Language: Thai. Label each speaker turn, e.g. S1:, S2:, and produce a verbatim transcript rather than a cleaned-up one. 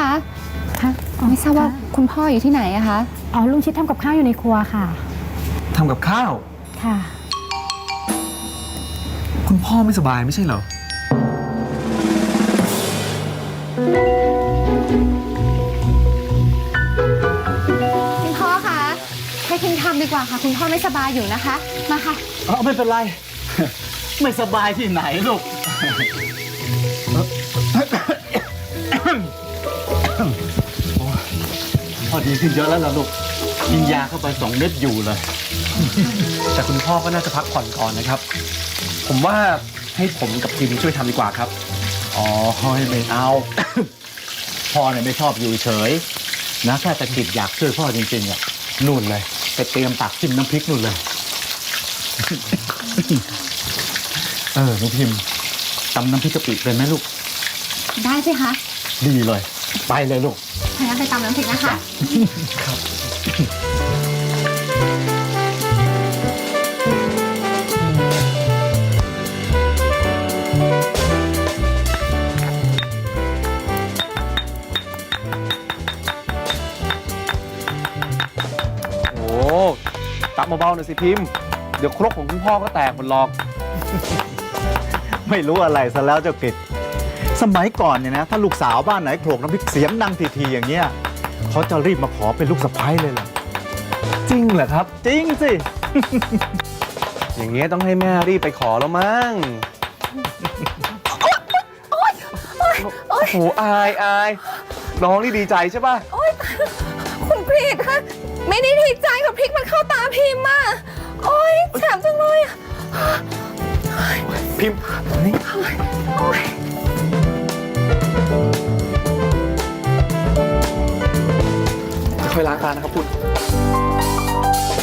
S1: คะคะไม่ทราบว่าคุณพ่ออยู่ที่ไหนอะคะ
S2: อ๋อลุงชิดทำกับข้าวอยู่ในครัวค่ะ
S3: ทำกับข้าว
S2: ค่ะ
S3: คุณพ่อไม่สบายไม่ใช่เหรอ
S1: คุณพ่อคะให้พิมทำดีกว่าค่ะคุณพ่อไม่สบายอยู่นะคะมาค่ะ
S4: อ๋อไม่เป็นไร ไม่สบายที่ไหนลูก พอดีขึ้นเยอะแล้วล่ะลูกกินยาเข้าไปสองเม็ดอยู่เลย
S3: แต่คุณพ่อก็น่าจะพักผ่อนก่อนนะครับผมว่าให้ผมกับพิมช่วยทำดีกว่าครับ
S4: อ๋อไม่เอา พ่อเนี่ยไม่ชอบอยู่เฉยนะแค่ตะกิดอยากช่วยพ่อจริงๆอ่ะนู่นเลยไปเตรียมตักจิ้มน้ำพริกนู่นเลย เออน้องพิมตำน้ำพริกกะปิเป็นไหมลูก
S1: ได้สิคะ
S4: ดีเลยไปเลยลูก
S1: งั้นไปตำน้ำพริกนะคะ
S3: ครับโอ้ตักเบาๆหน่อยสิพิมพ์เดี๋ยวครกของคุณพ่อก็แตกหมดหรอก
S4: ไม่รู้อะไรซะแล้วเจ้ากิจสมัยก่อนเนี่ยนะถ้าลูกสาวบ้านไหนโขลกน้ำพริกเสียงดังทีๆอย่างเงี้ยเขาจะรีบมาขอเป็นลูกสะใภ้เลยล่ะ
S3: จริงเหรอครับ
S4: จริงสิ
S3: อย่างเงี้ยต้องให้แม่รีบไปขอแล้วมั้งโอ้โหอายอายน้องนี่ดีใจใช่ป่ะ
S1: คุณกรีดคะไม่ได้ดีใจกับพริกมันเข้าตาพิมพ์อ่ะโอ๊ยแสบจังเลยอ่ะ
S3: พิมพ์นี่ค่อยล้างตานะครับคุณ